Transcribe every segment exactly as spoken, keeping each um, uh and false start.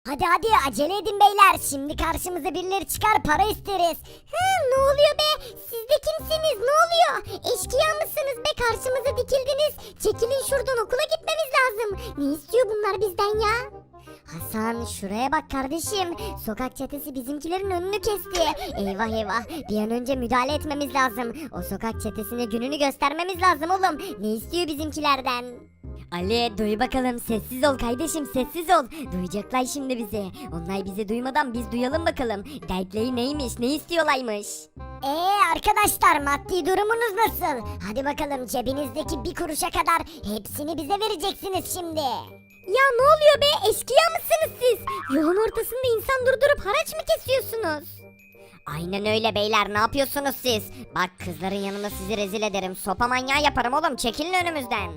Hadi hadi acele edin beyler. Şimdi karşımıza birileri çıkar para isteriz. Hı, ne oluyor be? Siz de kimsiniz? Ne oluyor? Eşkıya mısınız be? Karşımıza dikildiniz. Çekilin şuradan, okula gitmemiz lazım. Ne istiyor bunlar bizden ya? Hasan şuraya bak kardeşim. Sokak çetesi bizimkilerin önünü kesti. Eyvah eyvah. Bir an önce müdahale etmemiz lazım. O sokak çetesine gününü göstermemiz lazım oğlum. Ne istiyor bizimkilerden? Ali duy bakalım, sessiz ol kardeşim, sessiz ol. Duyacaklar şimdi bizi. Onlar bizi duymadan biz duyalım bakalım. Dertleri neymiş, ne istiyorlarmış. Eee arkadaşlar, maddi durumunuz nasıl? Hadi bakalım, cebinizdeki bir kuruşa kadar hepsini bize vereceksiniz şimdi. Ya ne oluyor be, eşkıya mısınız siz? Yolun ortasında insan durdurup haraç mı kesiyorsunuz? Aynen öyle beyler, ne yapıyorsunuz siz? Bak kızların yanında sizi rezil ederim. Sopa manyağı yaparım oğlum, çekilin önümüzden.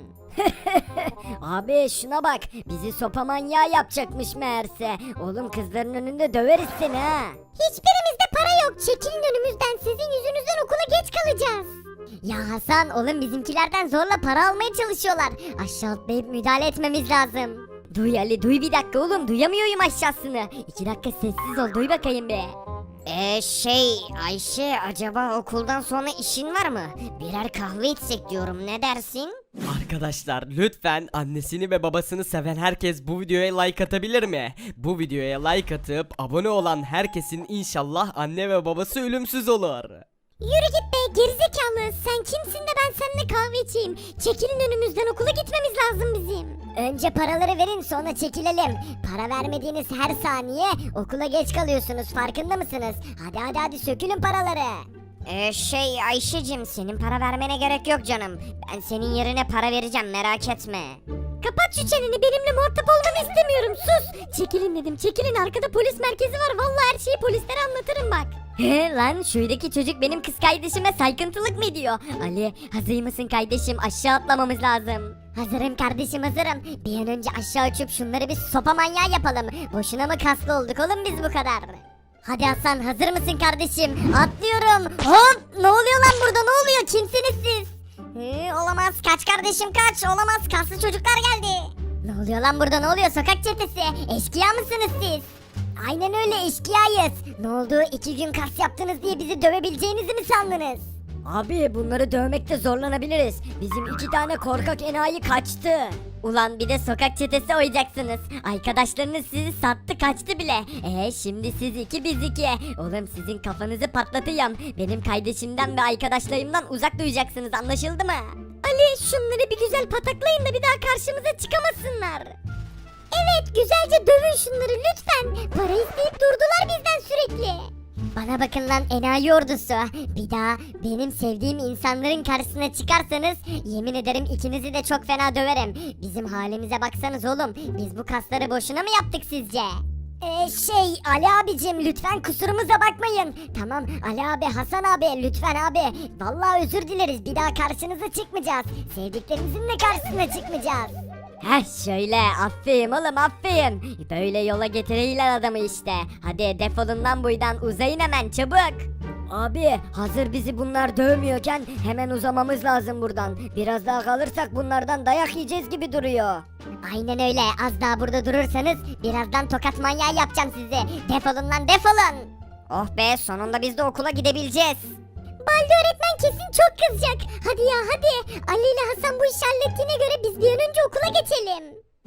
Abi şuna bak, bizi sopa manyağı yapacakmış meğerse. Oğlum kızların önünde döveriz seni ha. Hiçbirimizde para yok, çekilin önümüzden, sizin yüzünüzden okula geç kalacağız. Ya Hasan oğlum, bizimkilerden zorla para almaya çalışıyorlar. Aşağı atlayıp müdahale etmemiz lazım. Duy Ali, duy bir dakika oğlum, duyamıyorum aşağısını. İki dakika sessiz ol, duy bakayım be. Eee şey Ayşe, acaba okuldan sonra işin var mı? Birer kahve içsek diyorum, ne dersin? Arkadaşlar lütfen annesini ve babasını seven herkes bu videoya like atabilir mi? Bu videoya like atıp abone olan herkesin inşallah anne ve babası ölümsüz olur. Yürü git be gerizekalı, sen kimsin de ben seninle kahve içeyim. Çekilin önümüzden, okula gitmemiz lazım bizim. Önce paraları verin, sonra çekilelim. Para vermediğiniz her saniye okula geç kalıyorsunuz, farkında mısınız? Hadi hadi hadi sökülün paraları. Ee, şey Ayşe'cim, senin para vermene gerek yok canım. Ben senin yerine para vereceğim, merak etme. Kapat şu çeneni, benimle muhatap olmanı istemiyorum, sus. Çekilin dedim, çekilin, arkada polis merkezi var. Vallahi her şeyi polislere anlatırım bak. He lan, şuradaki çocuk benim kız kardeşime saykıntılık mı ediyor? Ali hazır mısın kardeşim, aşağı atlamamız lazım. Hazırım kardeşim, hazırım. Bir an önce aşağı uçup şunları bir sopa manyağı yapalım. Boşuna mı kaslı olduk oğlum biz bu kadar? Hadi Hasan, hazır mısın kardeşim? Atlıyorum. Hop, ne oluyor lan burada, ne oluyor, kimsiniz siz? Ee, olamaz, kaç kardeşim kaç, olamaz, kaslı çocuklar geldi. Ne oluyor lan burada, ne oluyor, sokak çetesi? Eşkıya mısınız siz? Aynen öyle, eşkıyayız. Ne oldu, iki gün kas yaptınız diye bizi dövebileceğinizi mi sandınız? Abi bunları dövmekte zorlanabiliriz. Bizim iki tane korkak enayi kaçtı. Ulan bir de sokak çetesi oynayacaksınız. Arkadaşlarınız sizi sattı, kaçtı bile. Ee şimdi siz iki biz iki. Oğlum sizin kafanızı patlatacağım. Benim kardeşimden ve arkadaşlarımdan uzak duracaksınız, anlaşıldı mı? Ali şunları bir güzel pataklayın da bir daha karşımıza çıkamasınlar. Evet, güzelce dövün şunları lütfen. Para isteyip durdular bizden sürekli. Bana bakın lan enayi ordusu. Bir daha benim sevdiğim insanların karşısına çıkarsanız yemin ederim ikinizi de çok fena döverim. Bizim halimize baksanız oğlum. Biz bu kasları boşuna mı yaptık sizce? Ee, şey Ali abicim, lütfen kusurumuza bakmayın. Tamam Ali abi, Hasan abi, lütfen abi. Vallahi özür dileriz, bir daha karşınıza çıkmayacağız. Sevdiklerimizin de karşısına çıkmayacağız. Heh şöyle, aferin oğlum aferin. Böyle yola getiriyorlar adamı işte. Hadi defolun lan buradan, uzayın hemen çabuk. Abi hazır bizi bunlar dövmüyorken hemen uzamamız lazım buradan. Biraz daha kalırsak bunlardan dayak yiyeceğiz gibi duruyor. Aynen öyle, az daha burada durursanız birazdan tokat manyağı yapacağım sizi. Defolun lan, defolun. Oh be, sonunda biz de okula gidebileceğiz. Baldi öğretmen kesin çok kızacak. Hadi ya hadi. Ali ile Hasan bu işi hallettiğine göre biz bir an önce okula geçelim.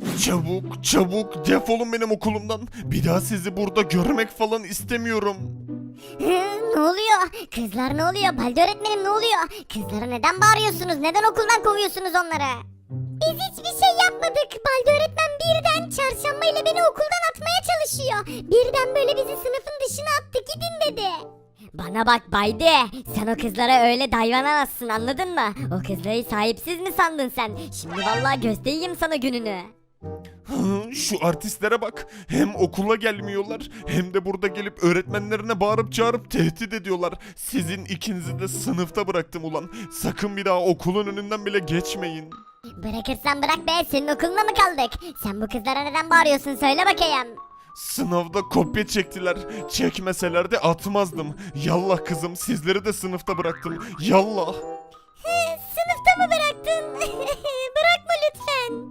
Çabuk çabuk defolun benim okulumdan. Bir daha sizi burada görmek falan istemiyorum. Ne oluyor? Kızlar ne oluyor? Baldi öğretmenim ne oluyor? Kızlara neden bağırıyorsunuz? Neden okuldan kovuyorsunuz onları? Biz hiçbir şey yapmadık. Baldi öğretmen birden çarşamba ile beni okuldan atmaya çalışıyor. Birden böyle bizi sınıfın dışına attı, gidin dedi. Bana bak Bayde, sen o kızlara öyle davranamazsın, anladın mı? O kızları sahipsiz mi sandın sen? Şimdi vallahi göstereyim sana gününü. Hı, Şu artistlere bak. Hem okula gelmiyorlar hem de burada gelip öğretmenlerine bağırıp çağırıp tehdit ediyorlar. Sizin ikinizi de sınıfta bıraktım ulan. Sakın bir daha okulun önünden bile geçmeyin. Bırakırsan bırak be, senin okuluna mı kaldık? Sen bu kızlara neden bağırıyorsun, söyle bakayım. Sınavda kopya çektiler. Çekmeseler de atmazdım. Yallah kızım, sizleri de sınıfta bıraktım. Yallah. Sınıfta mı bıraktın? Bırakma lütfen.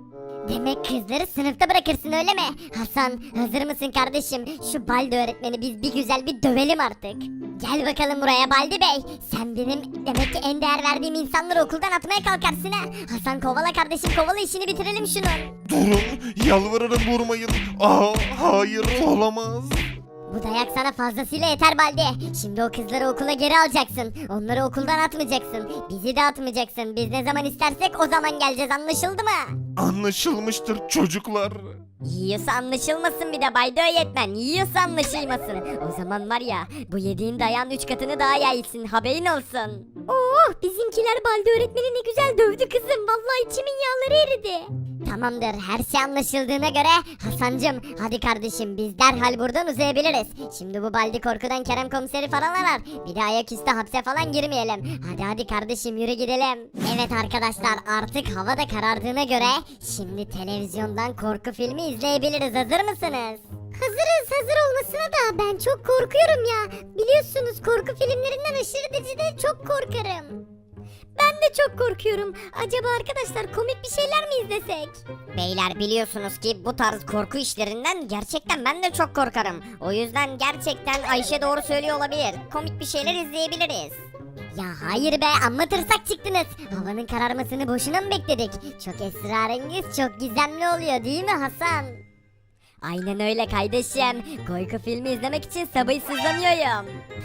Demek kızları sınıfta bırakırsın öyle mi? Hasan hazır mısın kardeşim? Şu Baldi öğretmeni biz bir güzel bir dövelim artık. Gel bakalım buraya Baldi Bey. Sen benim demek ki en değer verdiğim insanları okuldan atmaya kalkarsın ha. Hasan kovala kardeşim kovala işini bitirelim şunun. Durun, yalvarırım vurmayın. Aa, hayır olamaz. Bu dayak sana fazlasıyla yeter Baldi. Şimdi o kızları okula geri alacaksın. Onları okuldan atmayacaksın. Bizi de atmayacaksın. Biz ne zaman istersek o zaman geleceğiz anlaşıldı mı? Anlaşılmıştır çocuklar. Yiyorsa anlaşılmasın bir de Bayda öğretmen. Yiyorsa anlaşılmasın. O zaman var ya bu yediğin dayağın üç katını daha yersin haberin olsun. Oh bizimkiler Baldi öğretmeni ne güzel dövdü kızım. Vallahi içimin yağları eridi. Tamamdır her şey anlaşıldığına göre Hasancım hadi kardeşim biz derhal buradan uzayabiliriz. Şimdi bu Baldi korkudan Kerem komiseri falan arar. Bir de ayaküstü hapse falan girmeyelim. Hadi hadi kardeşim yürü gidelim. Evet arkadaşlar artık hava da karardığına göre şimdi televizyondan korku filmi izleyebiliriz. Hazır mısınız? Hazırız hazır olmasına da ben çok korkuyorum ya. Biliyorsunuz korku filmlerinden aşırı derecede çok korkarım. Ben de çok korkuyorum. Acaba arkadaşlar komik bir şeyler mi izlesek? Beyler biliyorsunuz ki bu tarz korku işlerinden gerçekten ben de çok korkarım. O yüzden gerçekten Ayşe doğru söylüyor olabilir. Komik bir şeyler izleyebiliriz. Ya hayır be amma tırsak çıktınız. Havanın kararmasını boşuna mı bekledik? Çok esrarengiz çok gizemli oluyor değil mi Hasan? Aynen öyle kardeşim. Korku filmi izlemek için sabırsızlanıyorum.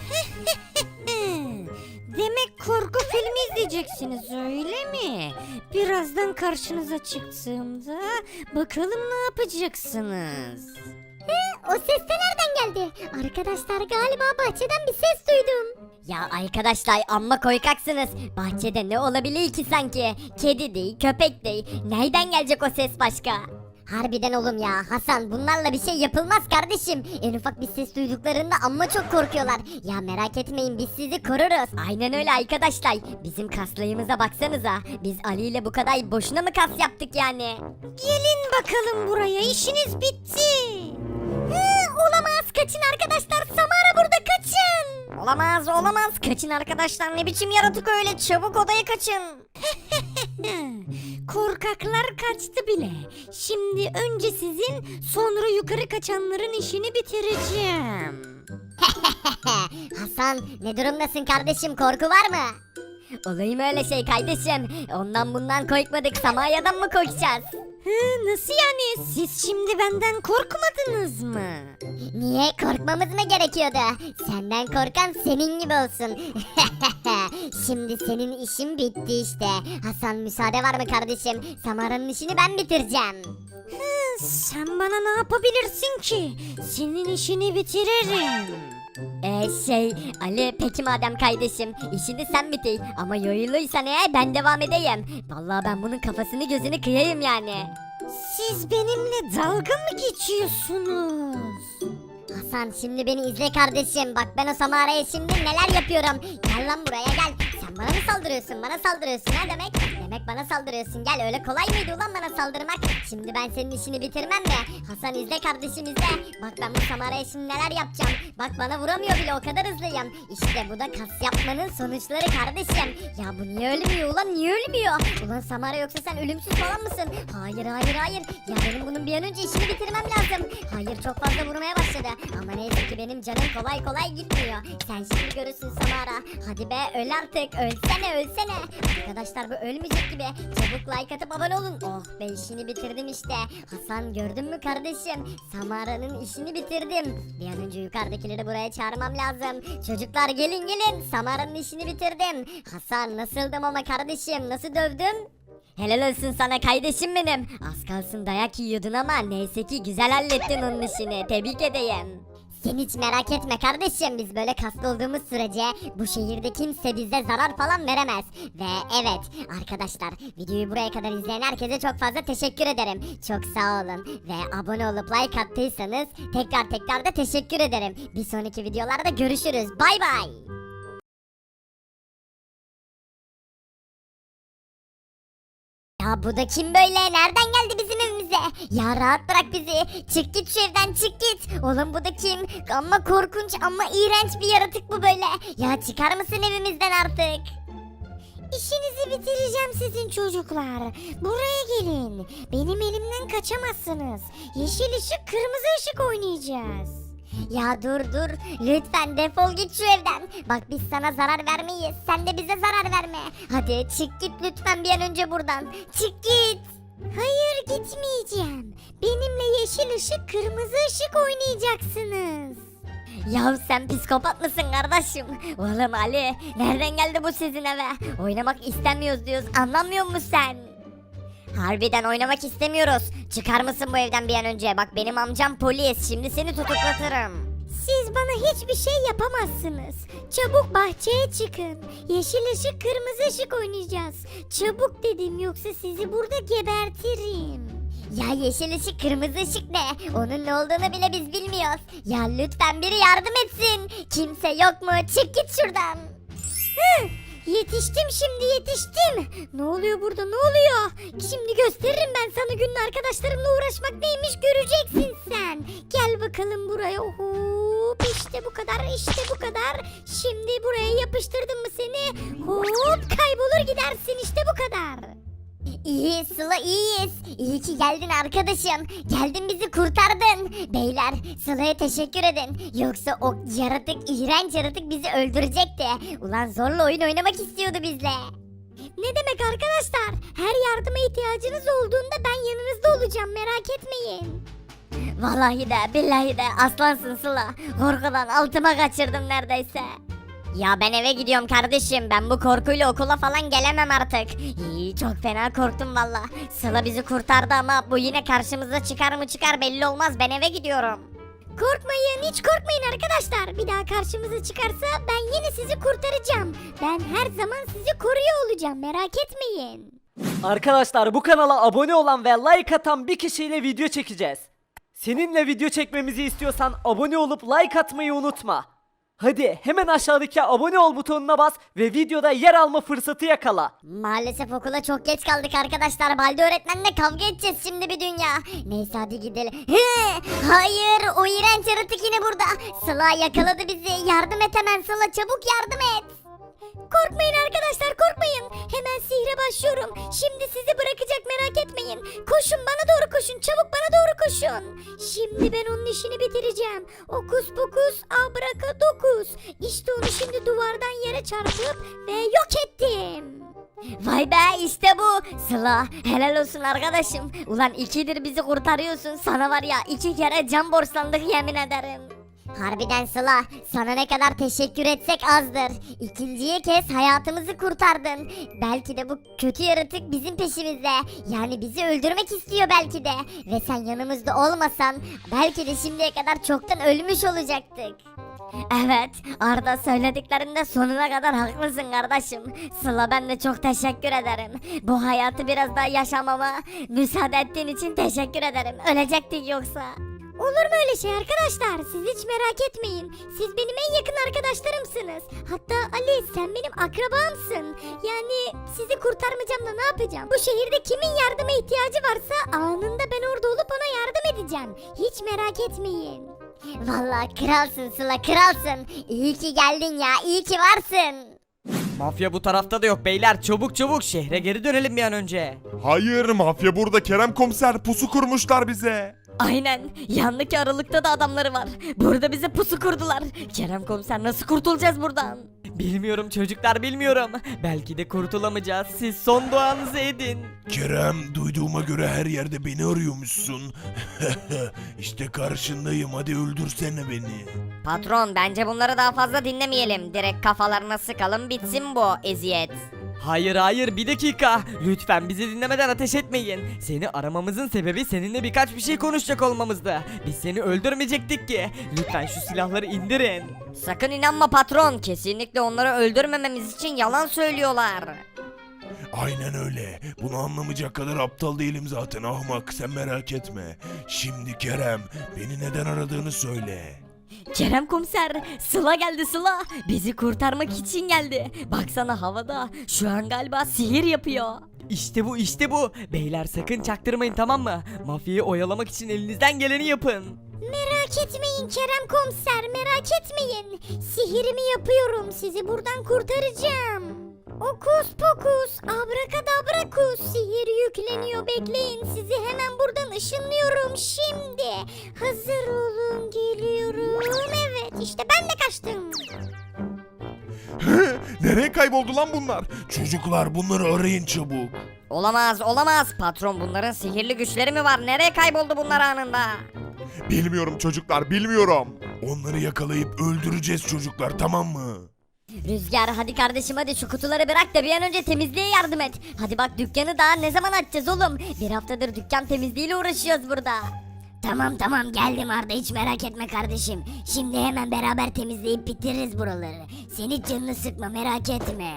Demek korku filmi izleyeceksiniz öyle mi? Birazdan karşınıza çıktığımda bakalım ne yapacaksınız? O ses de nereden geldi? Arkadaşlar galiba bahçeden bir ses duydum. Ya arkadaşlar amma koykaksınız. Bahçede ne olabilir ki sanki? Kedi değil, köpek değil. Nereden gelecek o ses başka? Harbiden oğlum ya Hasan bunlarla bir şey yapılmaz kardeşim. En ufak bir ses duyduklarında amma çok korkuyorlar. Ya merak etmeyin biz sizi koruruz. Aynen öyle arkadaşlar. Bizim kaslayımıza baksanıza. Biz Ali ile bu kadar boşuna mı kas yaptık yani? Gelin bakalım buraya işiniz bitti. Hı, olamaz kaçın arkadaşlar Samara burada kaçın. Olamaz olamaz. Kaçın arkadaşlar ne biçim yaratık öyle. Çabuk odaya kaçın. Korkaklar kaçtı bile. Şimdi önce sizin sonra yukarı kaçanların işini bitireceğim. Hasan ne durumdasın kardeşim korku var mı? Olayım öyle şey kardeşim. Ondan bundan korkmadık. Samarya'dan mı korkacağız? Hı, nasıl yani? Siz şimdi benden korkmadınız mı? Niye korkmamız mı gerekiyordu? Senden korkan senin gibi olsun. Şimdi senin işin bitti işte. Hasan müsaade var mı kardeşim? Samara'nın işini ben bitireceğim. Hı, sen bana ne yapabilirsin ki? Senin işini bitiririm. Ee şey Ali peki madem kardeşim işini sen bitir ama yoyuluysan eğer ben devam edeyim. Vallahi ben bunun kafasını gözünü kıyayım yani. Siz benimle dalga mı geçiyorsunuz? Hasan şimdi beni izle kardeşim. Bak ben o Samara'ya şimdi neler yapıyorum. Gel lan buraya gel. Sen bana mı saldırıyorsun? Bana saldırıyorsun ha demek? Demek bana saldırıyorsun. Gel öyle kolay mıydı ulan bana saldırmak? Şimdi ben senin işini bitirmem mi? Hasan izle kardeşim izle. Bak ben bu Samara'ya şimdi neler yapacağım. Bak bana vuramıyor bile o kadar hızlıyım. İşte bu da kas yapmanın sonuçları kardeşim. Ya bu niye ölmüyor ulan niye ölmüyor? Ulan Samara yoksa sen ölümsüz falan mısın? Hayır hayır hayır. Ya benim bunun bir an önce işini bitirmem lazım. Hayır çok fazla vurmaya başladı. Ama neyse ki benim canım kolay kolay gitmiyor. Sen şimdi görürsün Samara. Hadi be öl artık. Ölsene ölsene. Arkadaşlar bu ölmeyecek gibi. Çabuk like atıp abone olun. Oh be işini bitirdim işte. Hasan gördün mü kardeşim? Samara'nın işini bitirdim. Bir an önce yukarıdakileri buraya çağırmam lazım. Çocuklar gelin gelin. Samara'nın işini bitirdim. Hasan nasıldım ama kardeşim? Nasıl dövdüm? Helal olsun sana kardeşim benim. Az kalsın dayak yiyordun ama neyse ki güzel hallettin onun işini. Tebrik edeyim. Sen hiç merak etme kardeşim biz böyle kaslı olduğumuz sürece bu şehirde kimse bize zarar falan veremez. Ve evet arkadaşlar videoyu buraya kadar izleyen herkese çok fazla teşekkür ederim. Çok sağ olun ve abone olup like attıysanız tekrar tekrar da teşekkür ederim. Bir sonraki videolarda görüşürüz bay bay. Ya bu da kim böyle? Nereden geldi bizim evimize? Ya rahat bırak bizi. Çık git şu evden çık git. Oğlum bu da kim? Ama korkunç ama iğrenç bir yaratık bu böyle. Ya çıkar mısın evimizden artık? İşinizi bitireceğim sizin çocuklar. Buraya gelin. Benim elimden kaçamazsınız. Yeşil ışık, kırmızı ışık oynayacağız. Ya dur dur. Lütfen defol git şu evden. Bak biz sana zarar vermeyiz. Sen de bize zarar verme. Hadi çık git lütfen bir an önce buradan. Çık git. Hayır gitmeyeceğim. Benimle yeşil ışık, kırmızı ışık oynayacaksınız. Ya sen psikopat mısın kardeşim? Oğlum Ali, nereden geldi bu sizin eve? Oynamak istemiyoruz diyoruz, anlamıyor musun sen? Harbiden oynamak istemiyoruz. Çıkar mısın bu evden bir an önce? Bak benim amcam polis, şimdi seni tutuklatırım. Siz bana hiçbir şey yapamazsınız. Çabuk bahçeye çıkın. Yeşil ışık, kırmızı ışık oynayacağız. Çabuk dedim yoksa sizi burada gebertirim. Ya yeşil ışık, kırmızı ışık ne? Onun ne olduğunu bile biz bilmiyoruz. Ya lütfen biri yardım etsin. Kimse yok mu? Çık git şuradan. Hı, yetiştim şimdi yetiştim. Ne oluyor burada ne oluyor? Şimdi gösteririm ben sana günün arkadaşlarımla uğraşmak neymiş göreceksin sen. Gel bakalım buraya. Hop işte bu kadar işte bu kadar. Şimdi buraya yapıştırdım mı seni? Hop kaybolur gidersin işte bu kadar. İyi Sıla iyiyiz. İyi ki geldin arkadaşım. Geldin bizi kurtardın. Beyler Sıla'ya teşekkür edin. Yoksa o yaratık, iğrenç yaratık bizi öldürecekti. Ulan zorla oyun oynamak istiyordu bizle. Ne demek arkadaşlar? Her yardıma ihtiyacınız olduğunda ben yanınızda olacağım merak etmeyin. Vallahi de billahi de aslansın Sıla. Korkudan altıma kaçırdım neredeyse. Ya ben eve gidiyorum kardeşim. Ben bu korkuyla okula falan gelemem artık. İyi çok fena korktum valla. Sıla bizi kurtardı ama bu yine karşımıza çıkar mı çıkar belli olmaz. Ben eve gidiyorum. Korkmayın hiç korkmayın arkadaşlar. Bir daha karşımıza çıkarsa ben yine sizi kurtaracağım. Ben her zaman sizi koruyor olacağım merak etmeyin. Arkadaşlar bu kanala abone olan ve like atan bir kişiyle video çekeceğiz. Seninle video çekmemizi istiyorsan abone olup like atmayı unutma. Hadi hemen aşağıdaki abone ol butonuna bas ve videoda yer alma fırsatı yakala. Maalesef okula çok geç kaldık arkadaşlar. Baldi öğretmenle kavga edeceğiz şimdi bir dünya. Neyse hadi gidelim. He, hayır o iğrenç yaratık yine burada. Sıla yakaladı bizi. Yardım et hemen Sıla, çabuk yardım et. Korkmayın arkadaşlar korkmayın. Hemen sihre başlıyorum. Şimdi sizi bırakacak merak etmeyin. Koşun bana doğru koşun. Çabuk bana doğru koşun. Şimdi ben onun işini bitireceğim. Okus pokus abrakadokuz. İşte onu şimdi duvardan yere çarpıp ve yok ettim. Vay be işte bu. Sıla helal olsun arkadaşım. Ulan ikidir bizi kurtarıyorsun. Sana var ya iki kere can borçlandık yemin ederim. Harbiden Sıla, sana ne kadar teşekkür etsek azdır. İkinciye kez hayatımızı kurtardın. Belki de bu kötü yaratık bizim peşimizde. Yani bizi öldürmek istiyor belki de. Ve sen yanımızda olmasan belki de şimdiye kadar çoktan ölmüş olacaktık. Evet, Arda söylediklerinde sonuna kadar haklısın kardeşim. Sıla ben de çok teşekkür ederim. Bu hayatı biraz daha yaşamama müsaade ettiğin için teşekkür ederim. Ölecektik yoksa. Olur mu öyle şey arkadaşlar? Siz hiç merak etmeyin. Siz benim en yakın arkadaşlarımsınız. Hatta Ali sen benim akrabamsın. Yani sizi kurtarmayacağım da ne yapacağım? Bu şehirde kimin yardıma ihtiyacı varsa anında ben orada olup ona yardım edeceğim. Hiç merak etmeyin. Vallahi kralsın Sıla, kralsın. İyi ki geldin ya, iyi ki varsın. Mafya bu tarafta da yok beyler, çabuk çabuk şehre geri dönelim bir an önce. Hayır, mafya burada. Kerem komiser, pusu kurmuşlar bize. Aynen, yandaki aralıkta da adamları var. Burada bize pusu kurdular. Kerem komiser nasıl kurtulacağız buradan? Bilmiyorum çocuklar, bilmiyorum. Belki de kurtulamayacağız. Siz son duanızı edin. Kerem, duyduğuma göre her yerde beni arıyormuşsun. İşte karşındayım, hadi öldürsene beni. Patron bence bunları daha fazla dinlemeyelim. Direkt kafalarına sıkalım bitsin bu eziyet. Hayır hayır, bir dakika. Lütfen bizi dinlemeden ateş etmeyin. Seni aramamızın sebebi seninle birkaç bir şey konuşacak olmamızdı. Biz seni öldürmeyecektik ki. Lütfen şu silahları indirin. Sakın inanma patron. Kesinlikle onları öldürmememiz için yalan söylüyorlar. Aynen öyle. Bunu anlamayacak kadar aptal değilim zaten ahmak, sen merak etme. Şimdi Kerem, beni neden aradığını söyle. Kerem komiser, Sıla geldi Sıla. Bizi kurtarmak için geldi. Baksana havada. Şu an galiba sihir yapıyor. İşte bu işte bu. Beyler sakın çaktırmayın, tamam mı? Mafyayı oyalamak için elinizden geleni yapın. Merak etmeyin Kerem komiser merak etmeyin. Sihirimi yapıyorum sizi buradan kurtaracağım. Okus pokus, abrakadabrakus, sihir yükleniyor, bekleyin, sizi hemen buradan ışınlıyorum şimdi. Hazır olun, geliyorum. Evet, işte ben de kaçtım. Nereye kayboldu lan bunlar? Çocuklar bunları arayın çabuk. Olamaz olamaz patron bunların sihirli güçleri mi var? Nereye kayboldu bunlar anında? Bilmiyorum çocuklar, bilmiyorum. Onları yakalayıp öldüreceğiz çocuklar, tamam mı? Rüzgar hadi kardeşim hadi şu kutuları bırak da bir an önce temizliğe yardım et. Hadi bak dükkanı daha ne zaman açacağız oğlum? Bir haftadır dükkan temizliğiyle uğraşıyoruz burada. Tamam tamam geldim Arda, hiç merak etme kardeşim. Şimdi hemen beraber temizleyip bitiririz buraları. Sen hiç canını sıkma, merak etme.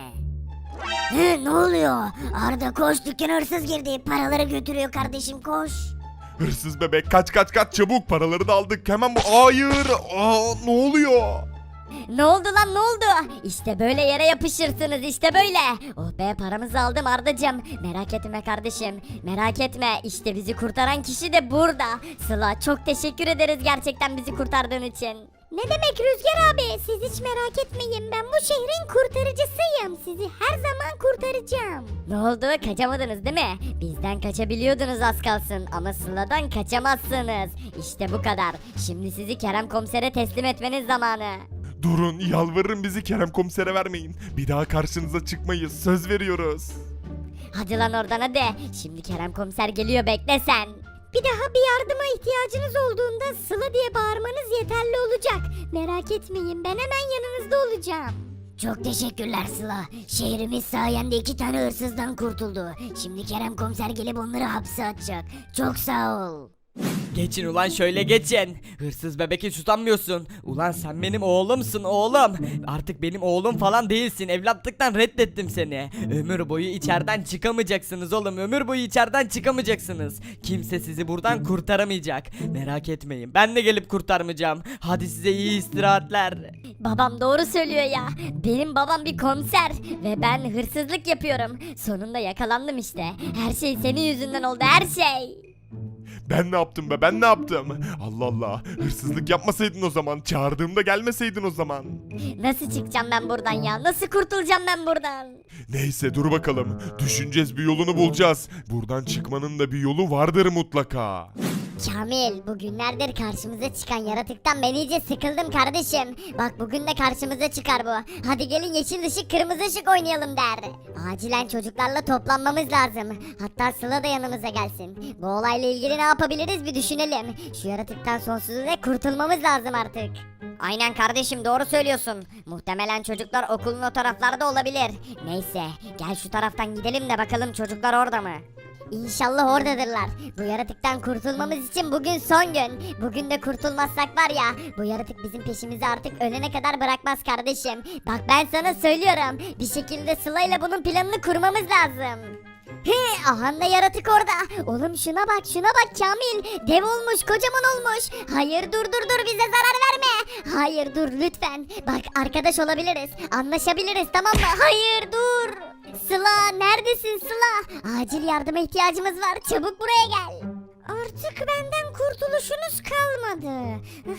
Hı, ne oluyor? Arda koş, dükkana hırsız girdi. Paraları götürüyor kardeşim, koş. Hırsız bebek, kaç kaç kaç çabuk, paraları da aldık hemen bu. Hayır, aa, ne oluyor? Ne oldu lan ne oldu? İşte böyle yere yapışırsınız işte böyle. Oh be paramızı aldım Ardacığım. Merak etme kardeşim. Merak etme işte bizi kurtaran kişi de burada. Sıla çok teşekkür ederiz gerçekten bizi kurtardığın için. Ne demek Rüzgar abi? Siz hiç merak etmeyin. Ben bu şehrin kurtarıcısıyım. Sizi her zaman kurtaracağım. Ne oldu kaçamadınız değil mi? Bizden kaçabiliyordunuz az kalsın ama Sıla'dan kaçamazsınız. İşte bu kadar. Şimdi sizi Kerem komisere teslim etmeniz zamanı. Durun, yalvarırım bizi Kerem komisere vermeyin. Bir daha karşınıza çıkmayız, söz veriyoruz. Hadi lan oradan hadi. Şimdi Kerem komiser geliyor bekle sen. Bir daha bir yardıma ihtiyacınız olduğunda Sıla diye bağırmanız yeterli olacak. Merak etmeyin, ben hemen yanınızda olacağım. Çok teşekkürler Sıla. Şehrimiz sayende iki tane hırsızdan kurtuldu. Şimdi Kerem komiser gelip onları hapse atacak. Çok sağ ol. Geçin ulan şöyle geçin. Hırsız bebek hiç utanmıyorsun. Ulan sen benim oğlumsun oğlum. Artık benim oğlum falan değilsin. Evlatlıktan reddettim seni. Ömür boyu içeriden çıkamayacaksınız oğlum. Ömür boyu içeriden çıkamayacaksınız. Kimse sizi buradan kurtaramayacak. Merak etmeyin. Ben de gelip kurtarmayacağım. Hadi size iyi istirahatler. Babam doğru söylüyor ya. Benim babam bir komiser ve ben hırsızlık yapıyorum. Sonunda yakalandım işte. Her şey senin yüzünden oldu her şey. Ben ne yaptım be, ben ne yaptım? Allah Allah, hırsızlık yapmasaydın o zaman, çağırdığımda gelmeseydin o zaman. Nasıl çıkacağım ben buradan ya? Nasıl kurtulacağım ben buradan? Neyse dur bakalım, düşüneceğiz, bir yolunu bulacağız. Buradan çıkmanın da bir yolu vardır mutlaka. Kamil, bugünlerdir karşımıza çıkan yaratıktan ben iyice sıkıldım kardeşim. Bak bugün de karşımıza çıkar bu. Hadi gelin yeşil ışık kırmızı ışık oynayalım der. Acilen çocuklarla toplanmamız lazım. Hatta Sıla da yanımıza gelsin. Bu olayla ilgili ne yapabiliriz bir düşünelim. Şu yaratıktan sonsuza dek kurtulmamız lazım artık. Aynen kardeşim doğru söylüyorsun. Muhtemelen çocuklar okulun o taraflarda olabilir. Neyse gel şu taraftan gidelim de bakalım çocuklar orada mı? İnşallah oradadırlar. Bu yaratıktan kurtulmamız için bugün son gün. Bugün de kurtulmazsak var ya, bu yaratık bizim peşimizi artık ölene kadar bırakmaz kardeşim. Bak ben sana söylüyorum. Bir şekilde Sıla ile bunun planını kurmamız lazım. He, aha da yaratık orada. Oğlum şuna bak şuna bak Kamil. Dev olmuş, kocaman olmuş. Hayır dur dur dur, bize zarar verme. Hayır dur lütfen. Bak arkadaş olabiliriz. Anlaşabiliriz tamam mı? Hayır dur. Sıla neredesin Sıla? Acil yardıma ihtiyacımız var. Çabuk buraya gel. Artık benden kurtuluşunuz kalmadı.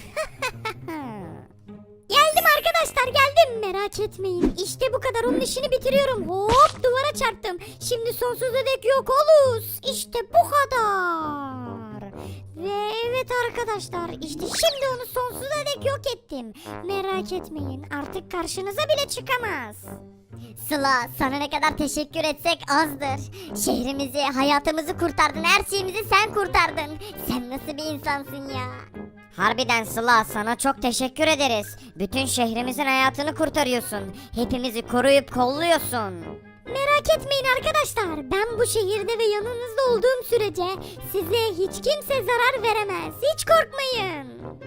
Geldim arkadaşlar geldim, merak etmeyin. İşte bu kadar, onun işini bitiriyorum. Hop duvara çarptım. Şimdi sonsuza dek yok oluruz. İşte bu kadar. Ve evet arkadaşlar, işte şimdi onu sonsuza dek yok ettim. Merak etmeyin, artık karşınıza bile çıkamaz. Sıla, sana ne kadar teşekkür etsek azdır. Şehrimizi, hayatımızı kurtardın, her şeyimizi sen kurtardın. Sen nasıl bir insansın ya? Harbiden Sıla sana çok teşekkür ederiz. Bütün şehrimizin hayatını kurtarıyorsun. Hepimizi koruyup kolluyorsun. Merak etmeyin arkadaşlar. Ben bu şehirde ve yanınızda olduğum sürece size hiç kimse zarar veremez. Hiç korkmayın.